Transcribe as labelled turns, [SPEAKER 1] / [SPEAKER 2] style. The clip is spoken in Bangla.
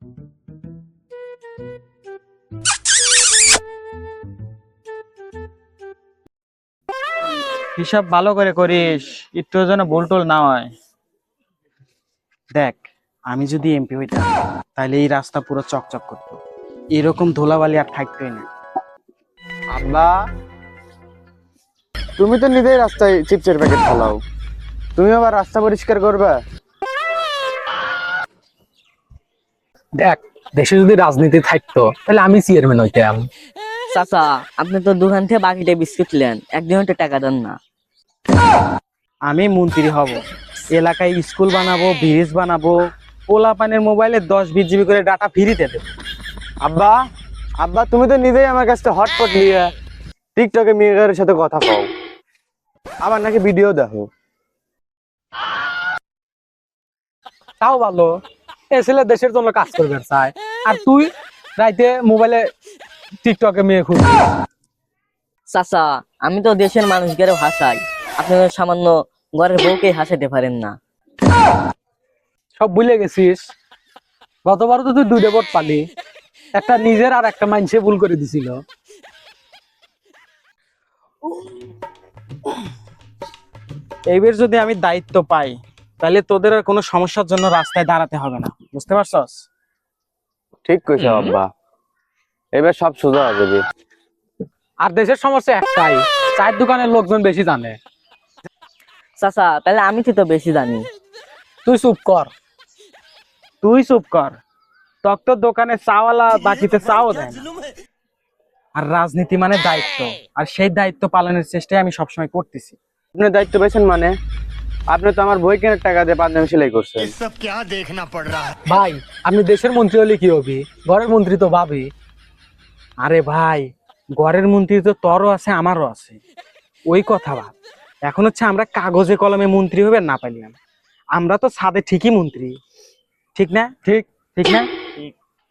[SPEAKER 1] হিসাব ভালো করে করিস, একটু যেন ভুল টুল না হয়। দেখ, আমি যদি এমপি হইতাম তাহলে এই রাস্তা পুরো চকচক করতো, এরকম ধুলাবালি আর থাকতোই না।
[SPEAKER 2] আব্বা, তুমি তো নিজেই রাস্তায় চিপসের প্যাকেট ফেলাও, তুমি আবার রাস্তা পরিষ্কার করবে?
[SPEAKER 3] দেখ, দেশে যদি রাজনীতি থাকতো তাহলে আমি চেয়ারম্যান হইতাম।
[SPEAKER 4] চাচা, আপনি তো দোকান থেকে বাকিটা বিস্কুট নেন, একদিনও তো টাকা দেন না।
[SPEAKER 1] আমি মন্ত্রী হব, এলাকায় স্কুল বানাবো, ব্রিজ বানাবো, পোলাপানের মোবাইলে 10-20 GB করে ডাটা ফ্রিতে দেবো।
[SPEAKER 2] আব্বা, আব্বা তুমি তো নিজেই আমার কাছে হটপট নিয়ে টিকটকে মেয়েদের সাথে কথা কও, আবার নাকি ভিডিও দেখো।
[SPEAKER 3] তাও ভালো, এ ছেলে দেশের জন্য কাজ করবে চায়, আর তুই রাইতে মোবাইলে টিকটকে মেয়ে খুঁজবি।
[SPEAKER 4] চাচা, আমি তো দেশের মানুষকে হাসাই, আপনি তো সামান্য ঘরের বউকে হাসাতে পারেন না।
[SPEAKER 3] সব ভুলে গেছিস? গতবার তো তুই 2টা ভোট পালি, একটা নিজের আর একটা মানুষে ভুল করে দিছিল।
[SPEAKER 1] এইবার যদি আমি দায়িত্ব পাই তাহলে তোদের আর কোনো সমস্যার জন্য রাস্তায় দাঁড়াতে হবে না, বুঝতে পারছস?
[SPEAKER 2] ঠিক কইছো আব্বা, এবার সব সোজা হয়ে যাবে।
[SPEAKER 3] আর দেশের সমস্যা একটাই, চায়ের দোকানের লোকজন বেশি জানে।
[SPEAKER 4] চাচা, তাহলে আমি তো বেশি জানি।
[SPEAKER 3] তুই চুপ কর।
[SPEAKER 1] তুই চুপ কর, তোর দোকানে চাওয়ালা বাকিতে চাও দেয় না। আর রাজনীতি মানে দায়িত্ব, আর সেই দায়িত্ব পালনের চেষ্টাই আমি সবসময় করতেছি।
[SPEAKER 2] আপনি দায়িত্ব পেয়েছেন মানে? আপনি তো আমার বই কেনার টাকা দিয়ে পাঞ্জাবি সেলাই করছেন।
[SPEAKER 3] ভাই, আপনি দেশের মন্ত্রী হলে কি হবি, ঘরের মন্ত্রী তো ভাবি।
[SPEAKER 1] আরে ভাই, ঘরের মন্ত্রী তো তোরও আছে আমারও আছে, ওই কথা ভাব। এখন হচ্ছে আমরা কাগজে কলমে মন্ত্রী হবে না পাইলাম, আমরা তো ছাদে ঠিকই মন্ত্রী, ঠিক না?
[SPEAKER 2] ঠিক।
[SPEAKER 1] ঠিক না?